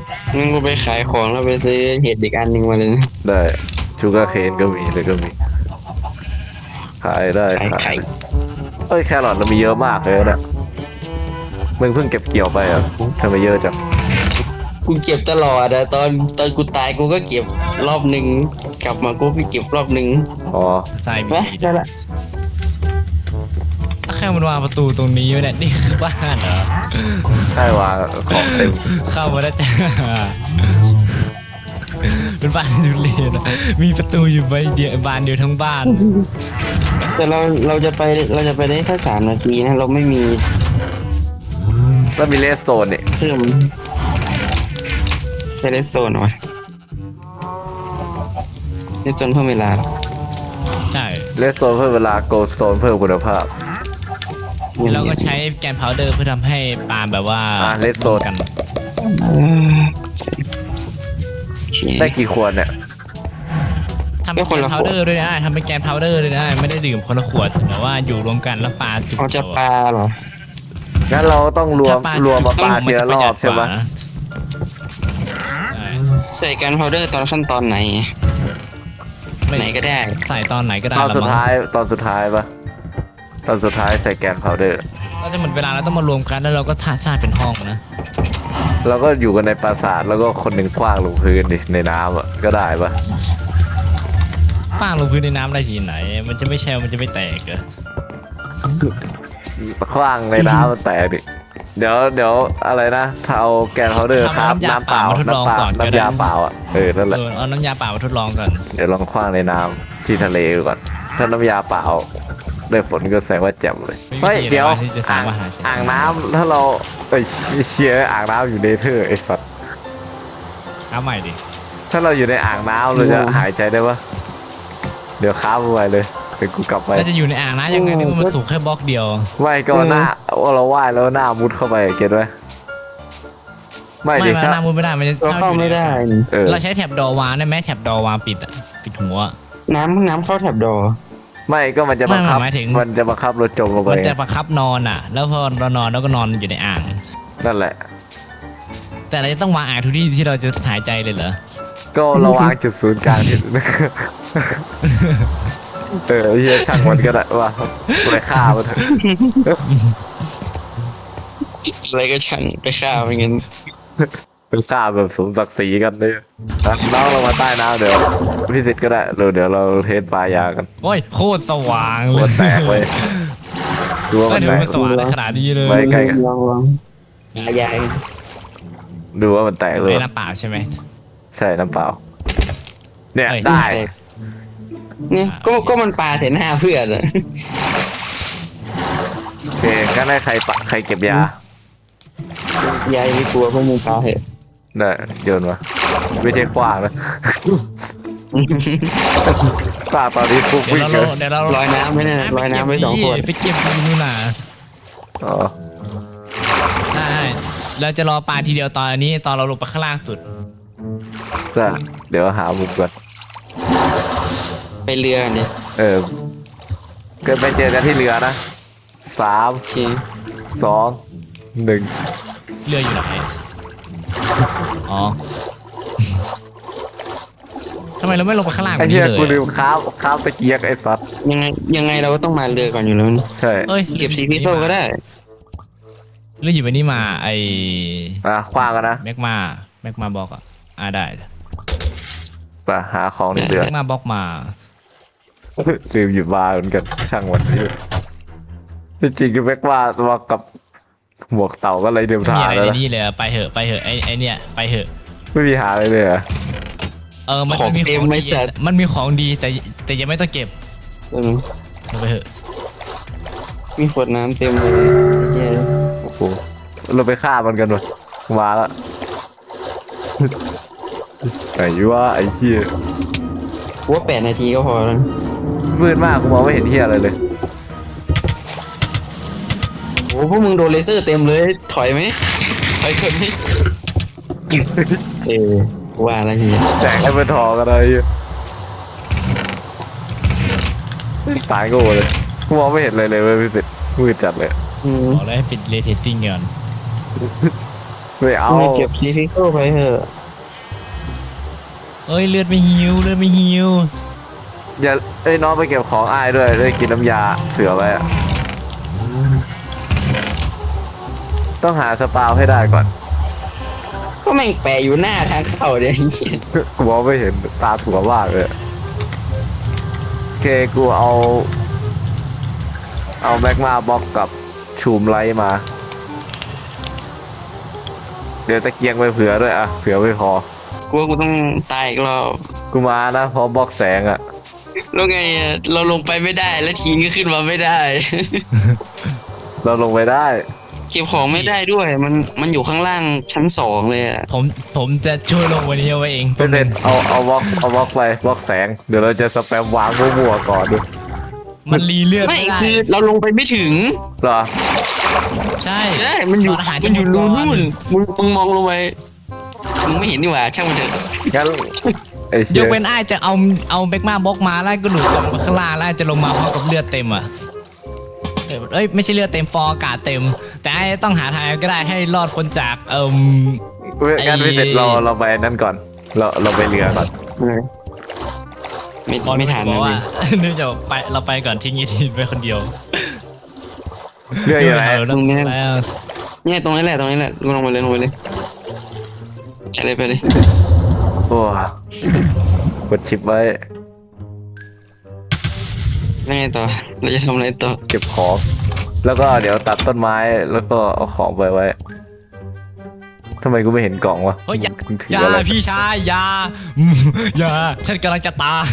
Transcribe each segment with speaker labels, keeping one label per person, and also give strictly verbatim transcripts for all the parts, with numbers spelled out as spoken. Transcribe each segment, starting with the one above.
Speaker 1: งั้นกูไปขายของแล้วไปซื้อเห็ดอีกอันหนึ่งมาเลยนะ
Speaker 2: ได้ชูการ์เคนก็มีเลยก็มีขายได้
Speaker 1: ขาย
Speaker 2: ขาย
Speaker 1: ไข่
Speaker 2: เอ้ยแครอทเรามีเยอะมากเลยนะมึงเพิ่งเก็บเกี่ยวไปเหรอ่ะทำไมเยอะจัง
Speaker 1: กูเก็บตลอดอะตอนตอนกูตายกูก็เก็บรอบหนึ่งกลับมากูก็เก็บรอบหนึ่ง
Speaker 2: อ๋อ
Speaker 3: ทรายมี
Speaker 1: วะ
Speaker 3: ดี
Speaker 1: ได้ละ
Speaker 3: แค่มันวางประตูตรงนี้ไว้เนี่ยนี่คือบ้านเหรอ
Speaker 2: ใช่วางของเต็ม
Speaker 3: เข้ามาได้จ้าเป็นบ้านทุเรศอะมีประตูอยู่ใบเดียวบานเดียวทั้งบ้าน
Speaker 1: แต่เราเราจะไปเราจะไปได้แค่สามนาทีนะเราไม่มี
Speaker 2: แล้วมีเลสโตนเนี่ย
Speaker 1: เพิ่มเทเลสโตนวะเลสโตนเพิ่มเวลา
Speaker 3: ใช่
Speaker 2: เลสโตนเพิ่มเวลาโกลสโตนเพิ่มคุณภาพ
Speaker 3: เราก็ใช้แกนพาวเดอร์เพื่อทำให้ปาล์มแบบว่า
Speaker 2: อ่ะเลสโซน
Speaker 3: กัน
Speaker 2: ได้กี่ขวดเนี่ย
Speaker 3: ทำเป็นแกนพาวเดอร์ด้วยนะทำเป็นแกนพาวเดอร์ด้วยนะไม่ได้ดื่มคนละขวดแต่ว่าอยู่รวมกันแล้วปาจุด
Speaker 1: เขาจะปลาเหรอ
Speaker 2: งั้นเราต้องรวมรวมมาปาทีละรอบใช่ไหม
Speaker 1: ใส่กันพาวเดอร์ตอนขั้นตอนไหน ไหนก็ได้
Speaker 3: ใส่ตอนไหนก็ได้
Speaker 2: ตอนสุด
Speaker 3: ละมั้ง
Speaker 2: ท้ายตอนสุดท้ายปะตอนสุดท้ายใส่แกนพาวเดอร์
Speaker 3: ก็จะหมดเวลาแล้วต้องมารวมกันแล้วเราก็ท่าท่าเป็นห้องนะ
Speaker 2: เราก็อยู่กันในปราสาทแล้วก็คนหนึ่งคว้างลงพื้นดิในน้ำอ่ะก็ได้ปะ
Speaker 3: ป้างลงพื้นในน้ำได้ทีไหน มันจะไม่แช่มันจะไม่แตกเหรอ
Speaker 2: คว้างในน้ำมันแตกดิเดี๋ยวเดี๋ยวอะไรนะถ้าเอาแกนพาวเดอร์ครับน้ำเปล่าน้ำเปล่าน้ำยาเปล่าอ่ะเออนั่นแหละ
Speaker 3: เออเอาน้ำยาเปล่ามาทดลองก่อน
Speaker 2: เดี๋ยวลองคว้างในน้ำที่ทะเลก่อนถ้าน้ำยาเปล่าได้ผลก็แสดงว่าแจ่มเลยเฮ้ยเดี๋ยวอ่างอ่างน้ำถ้าเราเอ้ยเชียร์อ่างน้ำอยู่ในเธอไอ้สัตว์
Speaker 3: เอาใหม่ดิ
Speaker 2: ถ้าเราอยู่ในอ่างน้ำเราจะหายใจได้ปะเดี๋ยวค้าไปเลยเดี๋ยวกูกลับไป
Speaker 3: แล้วจะอยู่ในอ่างนะยังไงนี่มันสูงแค่บล็อกเดียว
Speaker 2: ไม่ก็หน้าว่าเราว่ายแล้วหน้ามุดเข้าไปเก็ตไหมไม่
Speaker 3: ไม่
Speaker 2: ดิ
Speaker 3: มา
Speaker 2: ใช่
Speaker 3: หน้ามุดไม่ได้มันจะ
Speaker 1: เราเข้าไม่ได้
Speaker 2: เออ
Speaker 3: เราใช้แถบดอวางได้ไหมแถบดอวางปิดอะปิดหัว
Speaker 1: น้ำน้ำเข้าแถบดอ
Speaker 2: ไม่ก็มันจะบังคับ
Speaker 3: ไม่หมายถึง
Speaker 2: มันจะบังคับเราจมลงไป
Speaker 3: มันจะประคับนอนอ่ะ แล้วพอเรานอนแล้วก็นอนอยู่ในอ่าง
Speaker 2: นั่นแหละ
Speaker 3: แต่เราจะต้องวางอ่างทุกที่ที่เราจะหายใจเลยเหรอ
Speaker 2: ก็เราวางจุดศูนย์กลางที่ เออเฮียช่างมันก็ได้ว่าไปฆ่ามันเถอะ
Speaker 1: อะไรก็ช่างไปฆ่ามันงั้น
Speaker 2: ไปฆ่าแบบสมศักดิ์ศรีกันเลยน้องลงมาใต้น้ำเดี๋ยวพิสิทธิ์ก็ได้เดี๋ยวเดี๋ยวเราเทสปลายากัน
Speaker 3: โอ้ยโคตรสว่างเล
Speaker 2: หัวย แตกเลยดูว่า
Speaker 3: ก็
Speaker 2: มัน
Speaker 3: ดู
Speaker 2: แตก
Speaker 3: มันสว่างในขนาดนี้เลย
Speaker 2: ไม่ใกล้กัน
Speaker 1: ลองลองหายาย
Speaker 2: ดูว่ามันแตกเลย
Speaker 3: ไม่น้ำเปล่าใช่ไหม
Speaker 2: ใช่น้ำเปล่าเนี่ย
Speaker 3: เอ้ย
Speaker 2: ได้
Speaker 1: เนี่ยก็ก็มันปลาเสหน้าเพื่อนอะ
Speaker 2: โอเคงั้นให้ใครปะใครเก็บยาย
Speaker 1: ายไม่กลัวพวกมึงปลาเหอะ
Speaker 2: ได้โยนมาไม่ใช่กว้างนะกว้างตอนนี้ปุ๊บ
Speaker 3: เดี๋ยว
Speaker 2: วิ่ง
Speaker 3: เรา
Speaker 2: เลย
Speaker 3: เดี๋ยวเรา
Speaker 1: ลอยน้ำไม่แน่ลอยน้ำไม่สองคน
Speaker 3: ไปเก็บดีนู่นน่ะ
Speaker 2: อ๋อ
Speaker 3: ได้เราจะรอปลาทีเดียวตอนนี้ตอนเราลงไปข้างล่างสุด
Speaker 2: จ้ะเดี๋ยวหามุมก่อน
Speaker 1: ไปเรือกันเดี๋ยว
Speaker 2: เออเกิดไปเจอกันที่เรือนะสาม
Speaker 1: โอเค
Speaker 2: สองหนึ่ง
Speaker 3: เรืออยู่ไหนอ๋อทำไมเราไม่ลงไปข้างล่างแบ
Speaker 2: ไอ้
Speaker 3: บ
Speaker 2: เหี้
Speaker 3: นี้
Speaker 2: ย
Speaker 3: เลย
Speaker 2: กูลืมข้ามข้ามตะเกียกไอ้สัส
Speaker 1: ยังไงยังไงเราก็ต้องมาเรือก่อนอยู่แล้วนะ
Speaker 2: ใช่
Speaker 3: เอ้ย
Speaker 1: เก็บซีพีโซก็ได้
Speaker 3: เรืออยู่ไปนี่มาไอ
Speaker 2: อ่ะคว้างกันนะ
Speaker 3: แม็กมาแม็กมาบอกอ่ะอ่าได้
Speaker 2: ไปหาของในเรือ
Speaker 3: แม็กมาบอกมา
Speaker 2: ลืมหยิบบาร์เหมือนกันช่างวันนี้ที่จริงคือแม็กว่าตัวกับหมวกเต่าก็เลยเดิม
Speaker 3: ไม่
Speaker 2: ทา
Speaker 3: มี
Speaker 2: ง
Speaker 3: อะไร
Speaker 2: แล้ว
Speaker 3: ใน
Speaker 2: นะ
Speaker 3: นี่เลยอะไปเหอะไปเหอะไอไอเนี่ยไปเหอะ
Speaker 2: ไม่มีหาอะไรเลยเหรอ
Speaker 3: เออมัน
Speaker 1: ของ
Speaker 3: มี
Speaker 1: เต็ม
Speaker 3: ของ
Speaker 1: ไม่
Speaker 3: ดี
Speaker 1: สัตว์
Speaker 3: มันมีของดีแต่แต่ยังไม่ต้องเก็บ
Speaker 1: เออ
Speaker 3: ลงไปเหอะ
Speaker 1: มีขวดน้ำเต็มเลยไอ้เหี้ย
Speaker 2: โอ้โหเราไปฆ่ามันกันวะมาละไอ้ว่าไอ้เหี้ย
Speaker 1: กูว่าแปดนาทีก็พอแล้ว
Speaker 2: มืดมากกูมองไม่เห็นเหี้ยอะไรเลย
Speaker 1: โอ้พวกมึงโดนเลเซอร์เต็มเลยถอยไหมถอยเกินไหมเออว่าแล้วเฮีย
Speaker 2: แจกให้เป็นทองกันอะไรเหี้ยตายโง่เลยกูมองไม่เห็นอะไรเลยเว้ยพี่สิทธิ์มืดจัดเลย
Speaker 1: อืม
Speaker 3: บอกเลยให้ปิดเลเทสติ้งก่อน
Speaker 2: ไม่เอา
Speaker 1: มึงเก็บดีฟิโก้ไปเถอะ
Speaker 3: เอ้ยเลือดไม่หิวเลือดไม่หิว
Speaker 2: อย่าไอ้ยน้องไปเก็บของอ้ายด้วยได้กินน้ำยาเผื่อไว้อะต้องหาสปาวให้ได้ก่อน
Speaker 1: ก็แม่งแปะอยู่หน้าทางเข้าเดี๋ยวไอ้เหี้ย
Speaker 2: กูมองไม่เห็นตาถั่วมากเลยโอเคกูเอา เอาแม็กมาบล็อกกับชูมไลท์มา เดี๋ยวตะเกียงไปเผื่อด้วยอะเผื่อไม่พอ
Speaker 1: กูว่ากูต้องตายอีกรอบ
Speaker 2: กูมานะเพราะบล็อกแสงอะ
Speaker 1: แล้วไงอะเราลงไปไม่ได้แล้วทีมก็ขึ้นมาไม่ได้
Speaker 2: เราลงไปได้
Speaker 1: เก็บของไม่ได้ด้วย มันมันอยู่ข้างล่างชั้นสองเลยอะ
Speaker 3: ผมผมจะช่วยลงวันนี้เอาไว้เอง
Speaker 2: เป็นเด็นเอาเอาบล็อกเอาบล็อกไปบล็อกแสงเดี๋ยวเราจะสแปมวางมั่วๆก่อนดู
Speaker 3: มันรีเลือด
Speaker 1: ไม่
Speaker 3: ไม่ได้
Speaker 1: คือเราลงไปไม่ถึง
Speaker 2: เหรอ
Speaker 3: ใช่
Speaker 1: ใช่มันอยู่
Speaker 3: ตอาหาร
Speaker 1: มันอยู่
Speaker 3: จะห
Speaker 1: รู
Speaker 3: ดก่
Speaker 1: นู่นมึงมึงมองลงไปมึงไม่เห็นนี่หว่าช่างมันเถอะ
Speaker 2: งั้นไอ้
Speaker 3: ย
Speaker 2: เชี่ย
Speaker 3: กเป็นอ้ายจะเอาเอาแบกมาบล็อกมาแล้วก็หลุดลงมาข้างล่างแล้วจะลงมาพร้อมกับเลือดเต็มอ่ะเอ้ยเอ้ยไม่ใช่เลือดเต็มฟอร์อากาศเต็ม แต่ไอ้ต้องหาทางก็ได้ให้รอดพ้นจากเอ่ม
Speaker 2: เว้ยงั้น
Speaker 3: ไอ้
Speaker 2: พี่เสร็จเราเราไปนั่นก่อน เราเราไปเรือก่อน
Speaker 1: ไม่
Speaker 3: บอล
Speaker 1: ไม่ทัน
Speaker 3: บอ
Speaker 1: นะ
Speaker 3: กว่า
Speaker 1: พี่
Speaker 3: นี่จะไปเราไปก่อนทิ้งยีทีนไปคนเดียว
Speaker 2: เรืออยู่ไหน
Speaker 3: แล้ว
Speaker 1: เนี่ยตรงนั้นแหละตรงนี้แหละกูลงไปเลยลงไปเลยไปเลยไปเลย
Speaker 2: โอ้กดชิปไว้
Speaker 1: แล้วไงต่อเราจะทำอะไรต่อ
Speaker 2: เก็บของ แล้วก็เดี๋ยวตัดต้นไม้แล้วก็เอาของไปไว้ทำไมกูไม่เห็นกล่องวะ
Speaker 3: เฮ้ยอย่า
Speaker 2: มึงถือ
Speaker 3: อย่า
Speaker 2: อะไร
Speaker 3: พี่ชายอย่าอืมอย่าฉันกำลังจะตาย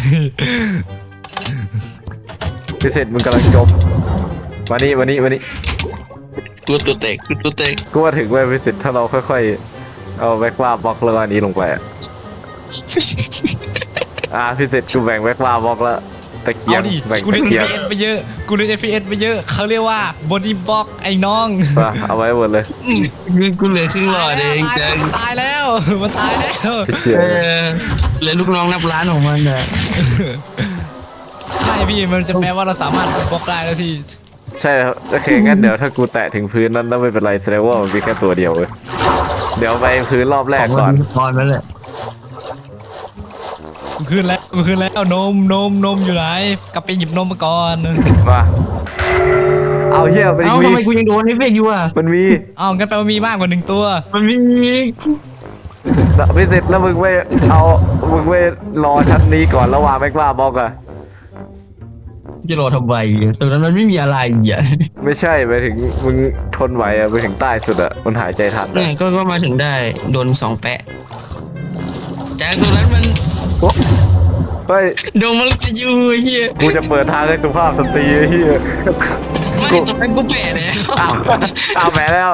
Speaker 2: พี่เสร็จมึงกำลังจมมานี่มานี่มานี่
Speaker 1: ตัวตัวเตกตัวเตก
Speaker 2: กูมาถึงเว้ยพี่เสร็จถ้าเราค่อยๆเอาแบ็กว่าบล็อกแล้วก็อันนี้ลงไปอะอ่าพี่เสร็จกูแบ่งแบ็กว่าบล็อกแล้วตะเกีย
Speaker 3: เอา
Speaker 2: ง
Speaker 3: ดิ
Speaker 2: แบ่ง
Speaker 3: กู
Speaker 2: ตะ
Speaker 3: เล่น
Speaker 2: เกียง
Speaker 3: เอฟพีเอสไปเยอะกูเล่นเอฟพีเอสไปเยอะเขาเรียกว่าบอดี้บล็อกไอ้น้อง
Speaker 2: มาเอาไว้หมดเลย
Speaker 1: เงินกูเหลือครึ่งหลอดเอง
Speaker 3: ตาย
Speaker 1: จัง
Speaker 3: มันตายแล้วมันตายแล้ว
Speaker 2: พี่เสีย
Speaker 1: เออเหลือลูกน้องนับล้านของมันอ่ะ
Speaker 3: ใช่พี่มันจะแปลว่าเราสามารถบล็อกได้แล้วพี่
Speaker 2: ใช่ครับโอเคงั้นเดี๋ยวถ้ากูแตะถึงพื้นนั้นแล้วไม่เป็นไรแสดงว่ามันมีแค่ตัวเดียวเว้ยเดี๋ยวไปพื้นรอบแรกก่อน
Speaker 1: ตอนนั้นแหละ
Speaker 3: กูขึ้นแล้วกูขึ้นแล้วนมนมนมอยู่ไหนกลับไปหยิบนมมาก่อน
Speaker 2: มาเอาเหี้ยมัน
Speaker 1: เอ้า
Speaker 2: มี
Speaker 1: ทำไมกูยังโดนนี่เฟกอยู่อ่ะ
Speaker 2: มันมี
Speaker 3: อ้าวงั้นแปลว่ามีมากกว่าหนึ่งตัว
Speaker 1: มันมี
Speaker 2: ไม่เสร็จแล้วมึงไม่เอามึงไม่รอชั้นนี้ก่อนแล้ววางแม็กว่าบล็อกอะ
Speaker 1: จะรอทำไมตรงนั้นมันไม่มีอะไรอ่ะ
Speaker 2: ไม่ใช่ไปถึงมึงทนไหวอะไปถึงใต้สุดอะมันหายใจทัน
Speaker 1: เนี่
Speaker 2: อะ
Speaker 1: ยก็ก็มาถึงได้โดนสองแปะจากตรงนั้นมัน
Speaker 2: โอ๊ะเฮ้ย
Speaker 1: โดนมันจะอยู่เฮีย
Speaker 2: กูจะเปิดทางให้สุภาพสตรีไอ้เฮีย
Speaker 1: ไม่ตรงนั้นกูแปะแล้ว
Speaker 2: อ้าวอ้าวแหมแล้ว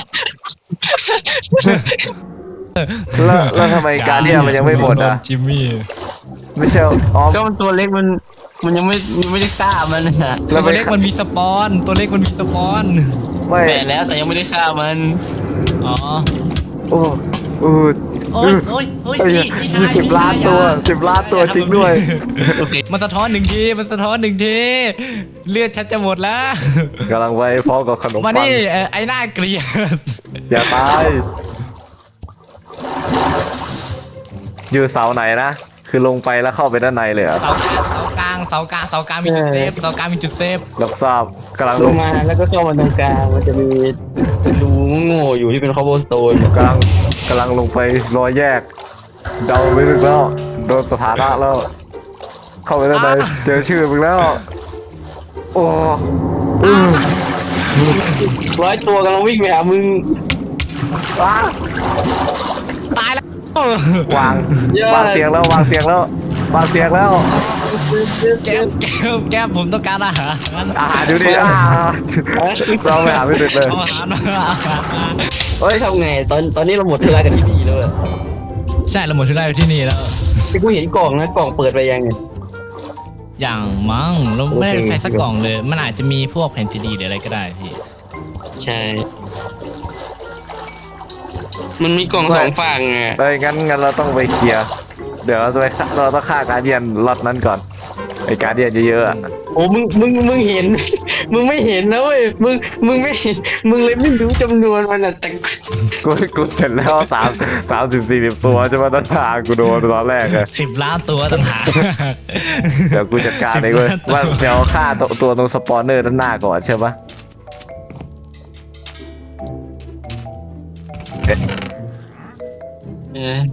Speaker 2: แล้วแล้วทำไมการเดียมันยังไม่หมดอ่ะ
Speaker 3: จิมมี่
Speaker 2: ไม่ใช่อ๋อ
Speaker 1: ก็มันตัวเล็กมันมันยังไม่ยังไม่ได้ฆ่ามันนะ
Speaker 2: แล้ว
Speaker 3: ตัว
Speaker 2: ไม่
Speaker 3: เล็กมันมีสปอน ตัวเล็กมันมีสปอน
Speaker 2: ไม่
Speaker 1: แปะแล้วแต่ยังไม่ได้ฆ่ามัน
Speaker 3: อ๋อ
Speaker 2: โอ้โอ้
Speaker 3: โอ้ยโอ้ยโอ้ย
Speaker 2: เอ้ย
Speaker 3: พี่พี่ชาย
Speaker 2: สิบล้านตัวสิบล้านตัวจริงด้วย
Speaker 1: โอเค
Speaker 3: มันสะท้อนหนึ่งทีมันสะท้อนหนึ่งทีเลือดฉันจะหมดแล้ว
Speaker 2: กำลังไปพร้อมกับขนม
Speaker 3: มา
Speaker 2: ปัง
Speaker 3: นี่เอ่อไอ้หน้าเกลียด
Speaker 2: อย่าตายอยู่เสาไหนนะคือลงไปแล้วเข้าไปด้านในเลยเหรอ
Speaker 3: เสากลางเสากลางเสากลางเสากลางมีจุดเซฟเสากลางมีจุดเซฟ
Speaker 2: รับทราบกำลัง
Speaker 1: ล
Speaker 2: ล
Speaker 1: ง
Speaker 2: ง
Speaker 1: มาแล้วก็เข้ามาตรงกลางมันจะมีรูโง่ๆอยู่ที่เป็นคอโบสโตน
Speaker 2: กำลังกำลังลงไปรอยแยกเดาไม่ถึงแล้วโดนสถานะแล้ว เข้าไปด้านในเจอชื่อมึงแล้ว โอ้อือ
Speaker 1: ร้อยตัวกำลังวิ่งไปหามึง
Speaker 2: ว้า
Speaker 3: ตายแล้ว
Speaker 2: วางวางเตียงแล้ววางเตียงแล้ววางเตียงแล้ว
Speaker 3: แก้มแก้มแก้มผมต้องการอาหาร
Speaker 2: อาหารดูดิอ่าเราไปหาไม่ติดเลย
Speaker 3: เอาอาหารมาเอาอาหารมา
Speaker 1: เฮ้ยทำไงตอนตอนนี้เราหมดธุระกันที่นี่แล้วอะ
Speaker 3: ใช่เราหมดทุกได้ที่นี่แล้ว
Speaker 1: ที่กูเห็นกล่องนะกล่องเปิดไปยังไง
Speaker 3: อย่างมั้งเราไม่ได้
Speaker 1: โอเค
Speaker 3: ใช้สักกล่องเลย มันอาจจะมีพวกแผ่นซีดีหรืออะไรก็ได้พี่
Speaker 1: ใช่ มันมีกล่องสองฝั่งอ่ะ
Speaker 2: เอ้ยงั้นงั้นเราต้องไปเคลียร์เดี๋ยวเราจะไปฆ่าเราต้องฆ่าการเดียนล็อตนั้นก่อนไอ้การเดียนเยอะๆอะ
Speaker 1: โอ้มึงมึงมึงเห็น มึงไม่เห็นนะเว้ยมึงมึงไม่เห็นมึงเลยไม่รู้จำนวนมันอ่ะแต่
Speaker 2: กูกูเห็นแล้วสามสามสิบสี่สิบตัวใช่ไหมต้นทางกูโดนตอนแรกอะ
Speaker 3: สิบล้านตัวต่างหาก
Speaker 2: เดี๋ยวกูจัดการเองเว้ยว่าเดี๋ยวฆ่าตัวตัวตรงสปอนเนอร์ด้านหน้าก่อนใช่ปะเอ๊ะ
Speaker 1: เออ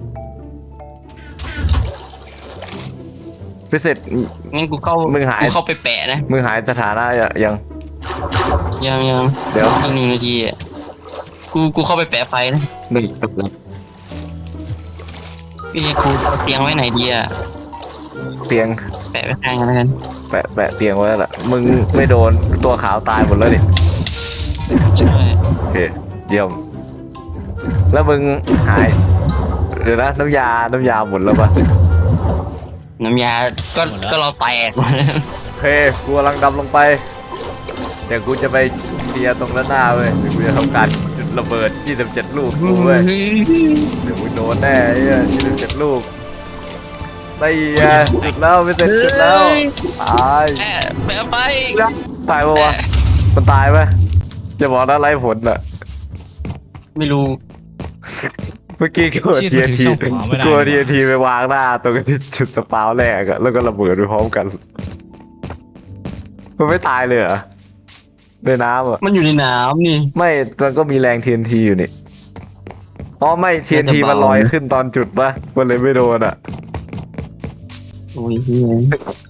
Speaker 2: พิเศษ
Speaker 1: งั้นกูเข้า
Speaker 2: มึงหาย
Speaker 1: กูเข้าไปแปะนะ
Speaker 2: มึงหายสถานะยัง
Speaker 1: ยังยัง
Speaker 2: เดี๋ยว
Speaker 1: อีกหนึ่งนาทีอ่ะกูกูเข้าไปแปะไฟนะหนึ่งพี่กูเอาเตียงไว้ไหนดีอ่ะ
Speaker 2: เตียง
Speaker 1: แปะไว้ข้างกันแล้วกัน
Speaker 2: แปะแปะเตียงไว้แล้วล่ะมึงไม่โดนตัวขาวตายหมดแล้วดิ
Speaker 1: ใช่
Speaker 2: โอเคเยี่ยมแล้วมึงหายเดี๋ยวนะน้ำยาน้ำยาหมดแล้วปะ
Speaker 1: น้ำยาก็
Speaker 3: หมดแล้ว
Speaker 1: ก็เราแตกหมดแล้ว
Speaker 2: โอเคกูกำลังดำลงไปเดี๋ยวกูจะไปเคลียร์ตรงด้านหน้าเว้ยเดี๋ยวกูจะทำการจุดระเบิดยี่สิบเจ็ดลูกกูเว้ยเดี๋ยวมึงโดนแน่ไอ้ยี่สิบเจ็ดลูกได้ไงจุดแล้วไม่เสร็จจุดแล้วตาย
Speaker 1: แปะแปะไป
Speaker 2: ตายปะวะมันตายไหมจะบอกนะไร้ผลอ่ะ
Speaker 1: ไม่รู้
Speaker 2: เมื่อกี้กูทีทีกูทีทีไปวางหน้าตรงจุดสปาวแรกอะแล้วก็ระเบิดไปพร้อมกันมันไม่ตายเลยเหรอในน้ำอ่ะ
Speaker 1: มันอยู่ในน้ำนี่
Speaker 2: ไม่มันก็มีแรง ที เอ็น ที อยู่นี่อ๋อไม่ ที เอ็น ที
Speaker 1: น่าจะเบามั
Speaker 2: มันลอยขึ้นตอนจุดปะมันเลยไม่โดนอ่ะ
Speaker 1: โอ้ยเหี้ย